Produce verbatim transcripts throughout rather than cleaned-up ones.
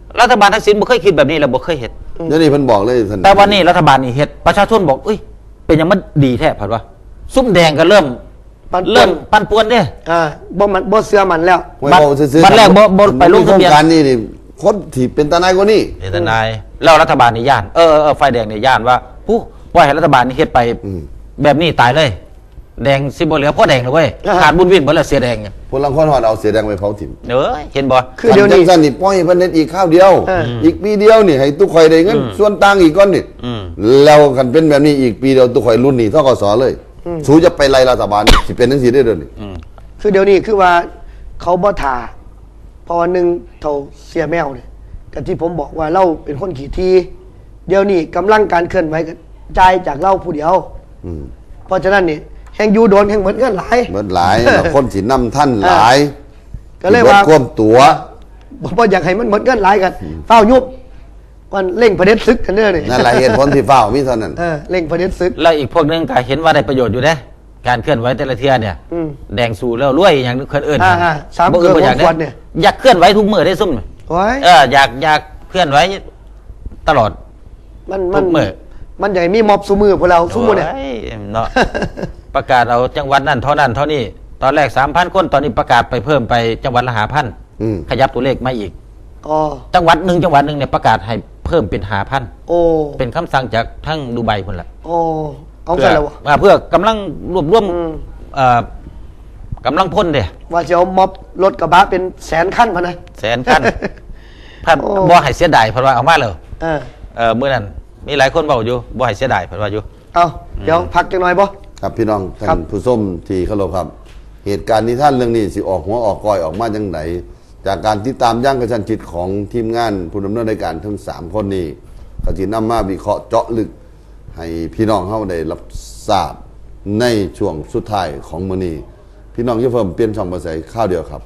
รัฐบาลทักษิณบ่เคยคิดแบบนี้แล้วบ่เคยเห็นเดี๋ยวนี้เพิ่นบอกเลยแต่วันนี้รัฐบาลนี่เฮ็ดประชาชนบอกเอ้ยเป็นยังมันดีแท้ผัดว่าซุ่มแดงก็เริ่มเริ่มปั่นป่วนเด้อ่าบ่มันบ่เสื้อมันแล้วบัตรแรกบ่บ่ไปลงทะเบียนการนี่นี่คนที่เป็นทนายกว่านี้เป็นทนายแล้วรัฐบาลนี่ย่านเออเออไฟแดงนี่ย่านว่าผู้ปล่อยให้รัฐบาลนี่เฮ็ดไปแบบนี้ตายเลยแดงสิบ่เหลือพ่อแดงเลยเว้ยขาดบุญวินบ่แล้วเสียแดงเนี่ยพลังคนฮอดเอาเสียแดงไปเผาถิ่มเอ้ยเห็นบ่คือเดี๋ยวนี้ซั่นนี่ปล่อยเพิ่นเฮ็ดอีกข้าวเดียวอีกปีเดียวนี่ให้ทุกข่อยได้เงินส่วนต่างอีกก้อนนี่แล้วกันเป็นแบบนี้อีกปีเดียวทุกข่อยรุ่นนี้ธกสเลยสู้จะไปไล่รัฐบาลสิเป็นจังซี่ได้เด้อนี่คือเดี๋ยวนี้คือว่าเขาบ่ท่าพอหนึ่งเท่าเสียแมวเนี่ยกับที่ผมบอกว่าเราเป็นคนขี่ทีเดี๋ยวนี้กำลังการเคลื่อนไหวกระจายจากเราผู้เดียวเพราะฉะนั้นนี่แห่งยูโดนแห่งเหมือนกันหลายเหมือนหลายคนสินำท่านหลายก็เลยว่าควมตัวเพราะอยากให้มันเหมือนกันหลายกันเฝ้ายุบมันเร่งประเด็นซึกกันเด้อนี่นั่นแหละเหตุผลที่เฝ้ามีเท่านั้นเร่งประเด็นซึกแล้วอีกพวกนึงก็เห็นว่าได้ประโยชน์อยู่เด้การเคลื่อนไหวแต่ละเที่ยเนี่ยแดงสู่แล้วรวยอย่างคนอื่นสามเกิดอยากเนี่ยอยากเคลื่อนไหวทุกมือได้ซุ่มเอออยากอยากเคลื่อนไหวตลอดมันมันมันใหญ่มีม็อบสู้มือพวกเราสู้มือเนี่ยเนาะประกาศเอาจังหวัดนั่นเท่านั้นเท่านี้ตอนแรกสามพันคนตอนนี้ประกาศไปเพิ่มไปจังหวัดละหาพันขยับตัวเลขมาอีกจังหวัดหนึ่งจังหวัดหนึ่งเนี่ยประกาศให้เพิ่มเป็นหาพันเป็นคำสั่งจากทั้งดูไบคนละเอาไปแล้วเพื่อกำลังรวบรวมกำลังพ่นเดียว่าจะเอาม็อบรถกระบะเป็นแสนขั้นพะนะแสนขั้นพันบ่ให้เสียดายเพราะว่าเอามาเลยเออเมื่อนั้นมีหลายคนบอกอยู่บ่ให้เสียดายเพราะว่าอยู่เอาเดี๋ยวพักจังหน่อยบ่ครับพี่น้องท่านผู้ชมที่เคารพครับเหตุการณ์นี้ท่านเรื่องนี้สิออกหัวออกก้อยออกมาจังไหนจากการติดตามย่างกระชั้นชิดของทีมงานผู้ดำเนินรายการทั้งสามคนนี้ก็จะนำมาวิเคราะห์เจาะลึกให้พี่น้องเข้าได้รับทราบในช่วงสุดท้ายของมื้อนี้พี่น้องอย่าเพิ่มเปลี่ยนช่องมาใส่ข้าวเดียวครับ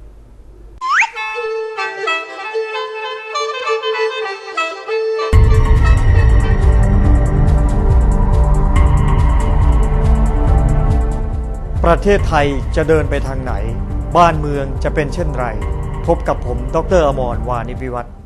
ประเทศไทยจะเดินไปทางไหนบ้านเมืองจะเป็นเช่นไรพบกับผมดร.อมร วานิวิวัฒน์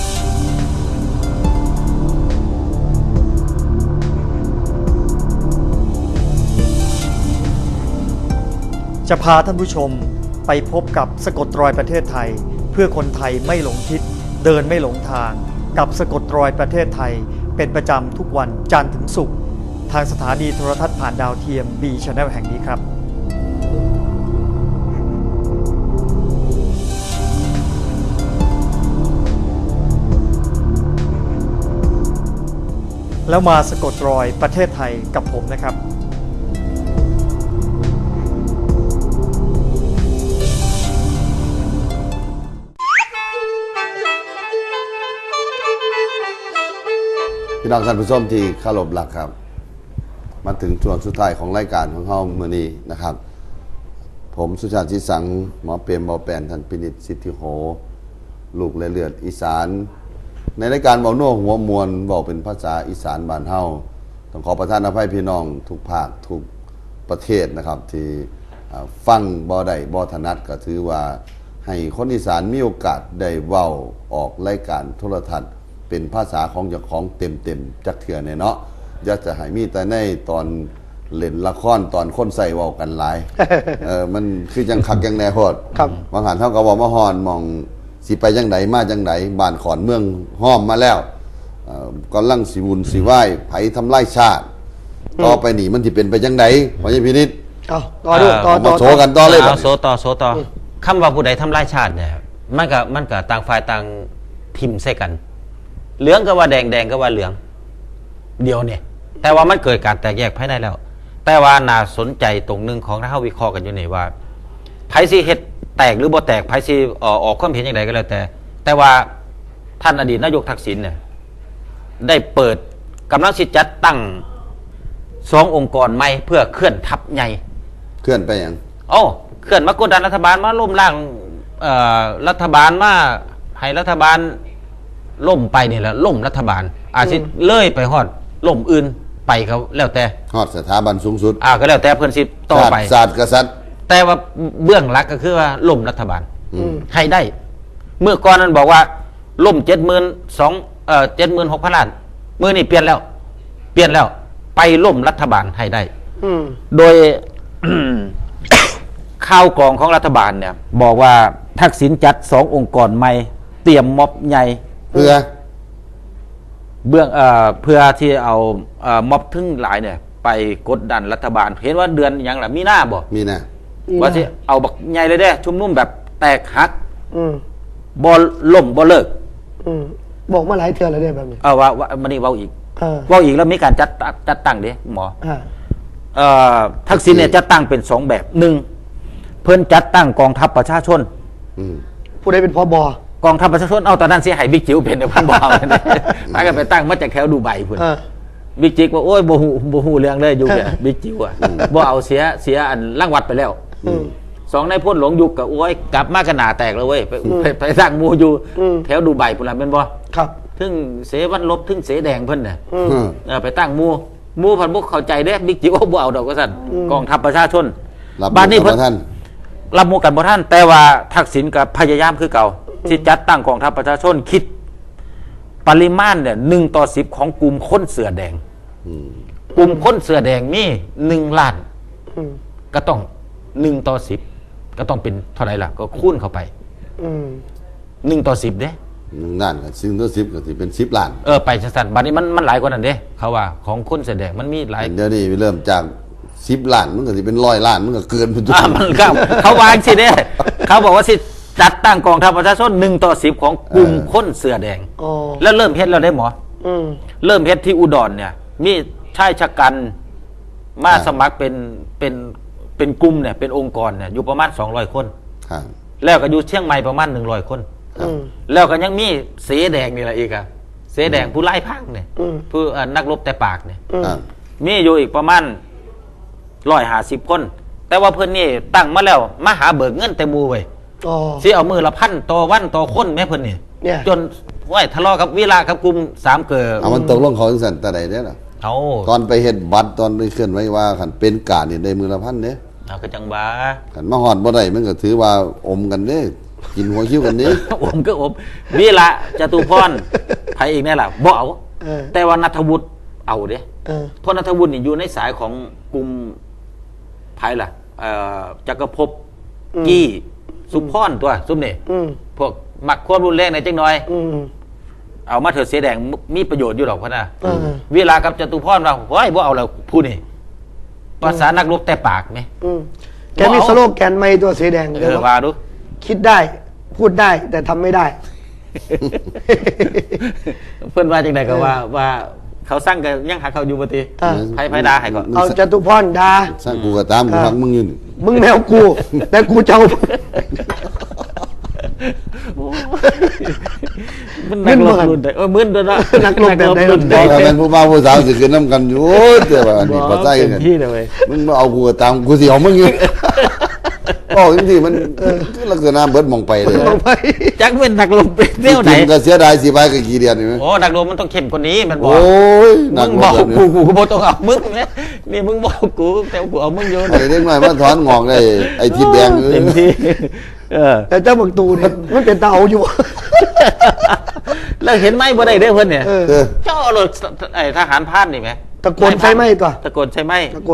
จะพาท่านผู้ชมไปพบกับสะกดรอยประเทศไทยเพื่อคนไทยไม่หลงทิศเดินไม่หลงทางกับสะกดรอยประเทศไทยเป็นประจำทุกวันจันทร์ถึงศุกร์ทางสถานีโทรทัศน์ผ่านดาวเทียม B Channel แห่งนี้ครับแล้วมาสะกดรอยประเทศไทยกับผมนะครับพี่น้องท่านผู้ชมที่เคารพรักครับมาถึงช่วงสุดท้ายของรายการของเฮามื้อนี้นะครับผมสุชาติชิสังหมอเปรมเบาแปนท่านพินิจสิทธิโหลูกและเลือดอีสานในรายการเบาโน่หัวมวลบอกเป็นภาษาอีสานบ้านเฮาต้องขอประทานอภัยพี่น้องทุกภาคทุกประเทศนะครับที่ฟังบ่ได้บ่ถนัดก็ถือว่าให้คนอีสานมีโอกาสได้เว้าออกรายการโทรทัศน์เป็นภาษาของเจ้าของเต็มๆจักเถื่อเนี่ยเนาะอย่าจะให้มีแต่ในตอนเล่นละครตอนคนใส่เว้ากันหลาย เออมันคือจังคักจังแน่โพดบางหันเฮาก็บอกว่าฮอนมองสิไปจังไดมาจังไดบ้านขอนเมืองห้อมมาแล้วเอ่อกำลังสิวุ่นสิวายไผทำลายชาติต่อไปนี่มันสิเป็นไปจังไดพ่อใหญ่พินิจเอาต่อดูต่อต่อโชว์กันต่อเลยเอาโซต่อโซต่อคำว่าผู้ใดทำลายชาติเนี่ยมันก็มันก็ต่างฝ่ายต่างทิมใส่กันเหลืองก็ว่าแดงแดงก็ว่าเหลืองเดียวเนี่ยแต่ว่ามันเกิดการแตกแยกภายในแล้วแต่ว่าน่าสนใจตรงนึงของที่เฮาวิเคราะห์กันอยู่นี่ว่าไผสิเฮ็ดแตกหรือบ่แตกไผสิออกออกความเห็นอย่างไรก็แล้วแต่แต่ว่าท่านอดีตนายกทักษิณเนี่ยได้เปิดกำลังสิจัดตั้งสององค์กรใหม่เพื่อเคลื่อนทัพใหญ่เคลื่อนไปอย่างโอ้เคลื่อนมากดดันรัฐบาลมาล้มล้างเอ่อรัฐบาลมาให้รัฐบาลล่มไปนี่แหละล่มรัฐบาลอาจสิเลื่อยไปฮอดล่มอื่นไปเขาแล้วแต่ฮอดสถาบันสูงสุดอ่าก็แล้วแต่เพิ่นสิต่อไปศาสตร์กษัตริย์แต่ว่าเบื้องหลักก็คือว่าล่มรัฐบาลให้ได้เมื่อก่อนนั้นบอกว่าล่มเจ็ดหมื่นสองเอ่อเจ็ดหมื่นหกพันล้านมือนี่เปลี่ยนแล้ว เปลี่ยนแล้ว ไปล่มรัฐบาลให้ได้อืมโดย ข่าวกรองของรัฐบาลเนี่ย บอกว่าทักษิณจัดสององค์กรใหม่ เตรียมม็อบใหญ่เพื่อเบื้องเอ่อเพื่อที่เอาเอ่อม็อบทึ่งหลายเนี่ย ไปกดดันรัฐบาล เห็นว่าเดือนหยังล่ะมีหน้าบ่มีนะว่าที่เอาบักใหญ่เลยเด้ชุมนุมแบบแตกหักอืมบ่ล่มบ่เลิกอืมบอกมาหลายเทื่อแล้วเนี่ยแบบนี้เออว่าว่ามันนี่เว้าอีกเออเว้าอีกแล้วมีการจัดจัดตั้งเด้หมออ่าเอ่อทักษิณเนี่ยจัดตั้งเป็นสองแบบหนึ่งเพิ่นจัดตั้งกองทัพประชาชนอืมผู้ใดเป็นพบกองทัพประชาชนเอาตอนนั้นเสียหายบิ๊กจิ๋วเป็นเดี๋ยวพันบอกเลยนะมากันไปตั้งมาจากแถวดูไบพุ่นเออบิ๊กจิ๋วว่าโอ้ยบ่ฮู้บ่ฮู้เรื่องเลยอยู่เนี่ยบิ๊กจิ๋วอ่ะบ่เอาเสียเสียอันล่างวัดไปแล้วอืมสองในายพ่นหลงยุคกับโอ้ยกลับมากันหนาแตกแล้วเว้ยไปไปไปสร้างหมูอยู่อืมแถวดูไบพุ่นละเป็นบ่ครับถึงเสวันลบถึงเสแดงเพิ่นน่ะอืมอืมเออไปตั้งหมูหมูพันบุกเข้าใจเด้บิ๊กจิ๋วบ่เอาดอกก็สั่นกองทัพประชาชนรับบ้านนี้เพิ่เพิ่นท่านรับมูกันบ่ท่าน แต่ว่าทักษิณกับพยายามคือเก่า ที่จัดตั้งกองทัพประชาชนคิด ปริมาณเนี่ยหนึ่งต่อสิบของกลุ่มคนเสือแดงอืมกลุ่มคนเสือแดงมีหนึ่งล้านอืมก็ต้องหนึ่งต่อสิบก็ต้องเป็นเท่าไหร่ล่ะ ก็คูณเข้าไปอืมหนึ่งต่อสิบเด้หนึ่งล้านกับซึ่งตัวสิบก็สิเป็นสิบล้านเออไปสั้นๆบัดนี้มันมันหลายกว่านั้นเด้เขาว่าของคนเสือแดงมันมีหลายเดี๋ยวนี้เริ่มจากสิบล้านมันก็สิเป็นร้อยล้านมันก็เกินไปทุกอ่ามันก็เขาวางสิเด้เขาบอกว่าสิจัดตั้งกองทัพประชาชนหนึ่งต่อสิบของกลุ่มคนเสือแดงอ๋อแล้วเริ่มเฮ็ดแล้วได้หมออืมเริ่มเฮ็ดที่อุดรเนี่ย มีชายชะกันมาสมัครเป็นเป็นเป็นกลุ่มเนี่ยเป็นองค์กรเนี่ยอยู่ประมาณสองร้อยคนครับแล้วก็อยู่เชียงใหม่ประมาณหนึ่งร้อยคนอืมแล้วก็ยังมีเสแดงนี่แหละอีกอะเสแดงผู้ไล่พังเนี่ยอืมผู้เอ่อนักรบแต่ปากเนี่ยอืมครับมีอยู่อีกประมาณร้อยห้าสิบคน แต่ว่าเพื่อนนี่ตั้งมาแล้วมาหาเบิกเงินแต่หมูไว้อ๋อสิเอามือละพันต่อวันต่อคนแม่เพื่อนนี่เนี่ยจนว่าทะเลาะกับวิลากับกลุ่มสามเกิดเอามันตกลงเขาจังซั่นแต่ใดเด้อล่ะเอาตอนไปเฮ็ดบัตรตอนไปเคลื่อนไหวว่าคันเป็นการนี่ได้มือละพันเด้เอาก็จังบ้าคันมาฮอดบ่ได้มันก็ถือว่าอมกันเด้กินหัวคิ้วกันเด้อมก็อมวิละจตุพรไผอีกแน่ล่ะบ่เอาเออแต่ว่านัทวุฒิเอาเด้เออเพราะนัทวุฒินี่อยู่ในสายของกลุ่มไผล่ะเอ่อจักรภพกี้สุพรตัวซุมนี่อืมพวกมักความรุนแรงในจังน้อยอืมเอามาเถอะเสียแดงมีประโยชน์อยู่หรอกพ่อนะเออเวลากับจตุพรว่าโอ้ยบ่เอาแล้วผู้นี่ภาษานักรบแต่ปากไหมอืมแกมีสโลแกนไม่ตัวสีแดงเอเดี๋ยวอว่าดูคิดได้ พูดได้แต่ทำไม่ได้เพื่อนว่าจังไดก็ว่าว่าเขาสร้างกันยังหาเขาอยู่ปฏิอ่าไพ่ไพ่ดาให้ก่อนเอาจตุพรดาสร้างกูก็ตามกูครับฟังมึงอยู่นี่มึงแมวกู แต่กูเจ้ามันนักรบรุ่นใดเออมึนด้วยนะนักรบแบบใดรุ่นบใดอกว่าเป็นผู้บ่าวผู้สาวสิขึ้นนํกันอยู่โอ้ยแต่ว่าอันนี้บ่บ่ใช่เต็มกันที่เลยเว้ยมึงมาเอากูก็ตามกูสิเอามึงอยู่บอกจริงๆมันคือลักษณะเบิดมองไปเลยลงไปจักเป็นนักรบเป็นเที่ยวไหนกินก็เสียดายสิไปก็กี่เดือนนี่มั้ยโอ้นักรบมันต้องเข้มกว่านี้มันบอโอ้กยมึนักงรบอกแบบนี้กูกูก็บอกต้องเอามึงเนี่ยนี่มึงบอกกูแต่กูเอามึงโยนไอ้เด็กน้อยมาถอนงอกได้ไอ้ทิศแดงเต็มที่เออแต่เจ้าบักตูเนี่ยมันเป็นเตาอยู่แล้วเห็นไหมบ่ได้เด้อเพิ่นเนี่ยเออเออเจ้ารถไอ้ทหารพรานนี่ไหมตะโกนไฟไหม้ก่อนตะโกนใช่ไหมตะโกน